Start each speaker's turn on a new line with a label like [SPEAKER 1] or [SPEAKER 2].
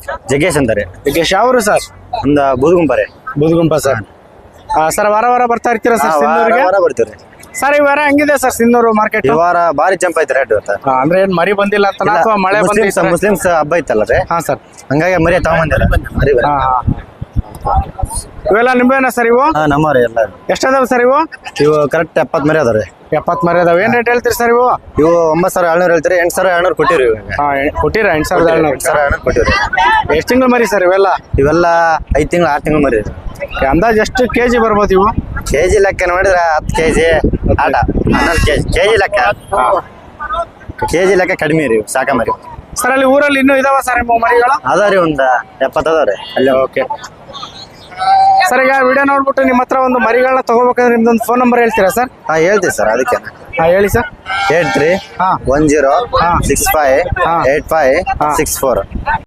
[SPEAKER 1] ಜಗ್ಗೇಶ್ ಅಂತಾರೆ.
[SPEAKER 2] ಜಗ್ಗೇಶ್ ಯಾವರು ಸರ್?
[SPEAKER 1] ಒಂದ ಬೂದುಗುಂಪರೆ.
[SPEAKER 2] ಬುದ್ಗುಂಪ ಸರ್. ಸರ್ ವಾರ ವಾರ ಬರ್ತಾ ಇರ್ತೀರಾ ಸರ್ ಸಿನ್ನೂರಿಗೆ?
[SPEAKER 1] ಬರ್ತೀವಿ
[SPEAKER 2] ಸರ್ ಈ ವಾರ ಹೆಂಗಿದೆ ಸರ್ ಸಿನ್ನೂರು ಮಾರ್ಕೆಟ್?
[SPEAKER 1] ಈ ವಾರ ಭಾರಿ ಜಂಪ್ ಐತೆ ರೇಟ್ ಇವತ್ತು.
[SPEAKER 2] ಅಂದ್ರೆ ಏನ್ ಮರಿ ಬಂದಿಲ್ಲ ಅಂತ ಅಥವಾ ಮಳೆ ಬಂದಿಲ್ಲ?
[SPEAKER 1] ಮುಸ್ಲಿಮ್ಸ್ ಹಬ್ಬ ಐತಲ್ಲ ರೀ,
[SPEAKER 2] ಹಾ ಸರ್.
[SPEAKER 1] ಹಂಗಾಗಿ ಮರಿ ತಗೊಂಬಂದಿರ.
[SPEAKER 2] ಇವೆಲ್ಲ ನಿಂಬೆನ ಸರ್ ಇವು?
[SPEAKER 1] ಹಾ ನಮ್ಮವ್ರಿ ಎಲ್ಲ.
[SPEAKER 2] ಎಷ್ಟದಾವ ಸರ್ ಇವು?
[SPEAKER 1] ಇವು ಕರೆಕ್ಟ್ 70 ಮರಿ ಅದಾವ್ರಿ.
[SPEAKER 2] 70 ಮರಿ ಅದಾವ. ಏನ್ ರೇಟ್ ಹೇಳ್ತೀರಿ ಸರ್ ಇವು?
[SPEAKER 1] ಇವು 9,700 ಹೇಳ್ತೀರಿ. 8,700 ಕೊಟ್ಟಿರಿ.
[SPEAKER 2] ಕೊಟ್ಟಿರ 8,700.
[SPEAKER 1] 8,700 ಕೊಟ್ಟಿರಿ.
[SPEAKER 2] ಎಷ್ಟು ತಿಂಗಳು ಮರಿ ಸರ್ ಇವೆಲ್ಲ?
[SPEAKER 1] ಇವೆಲ್ಲ 5 ತಿಂಗಳು 6 ತಿಂಗಳು ಮರಿ.
[SPEAKER 2] ಅಂದಾಜ್ ಎಷ್ಟು ಕೆಜಿ ಬರ್ಬೋದು ಇವು?
[SPEAKER 1] ಕೆಜಿ ಲೆಕ್ಕ ನೋಡಿದ್ರೆ 10 ಕೆಜಿ ಆಟ 11 ಕೆಜಿ. ಕೆಜಿ ಲೆಕ್ಕ ಕಡಿಮೆ ರೀ ಸಾಕ ಮರಿ.
[SPEAKER 2] ಸರ್ ಅಲ್ಲಿ ಊರಲ್ಲಿ ಇನ್ನೂ ಇದಾವ ಸರ್ ನಿಮ್ಮ ಮರಿಗಳು?
[SPEAKER 1] ಅದಾವ್ರಿ ಒಂದ್ 70 ಅದಾವ್ರಿ ಅಲ್ಲಿ.
[SPEAKER 2] ಓಕೆ ಸರ್, ಈಗ ವಿಡಿಯೋ ನೋಡ್ಬಿಟ್ಟು ನಿಮ್ಮ ಹತ್ರ ಒಂದು ಮರಿಗಳನ್ನ ತಗೋಬೇಕಂದ್ರೆ ನಿಮ್ದೊಂದು ಫೋನ್ ನಂಬರ್ ಹೇಳ್ತೀರಾ ಸರ್?
[SPEAKER 1] ಹಾ ಹೇಳ್ತೀವಿ ಸರ್. ಅದಕ್ಕೆ
[SPEAKER 2] ಹೇಳಿ ಸರ್.
[SPEAKER 1] 83 10 65 85 64.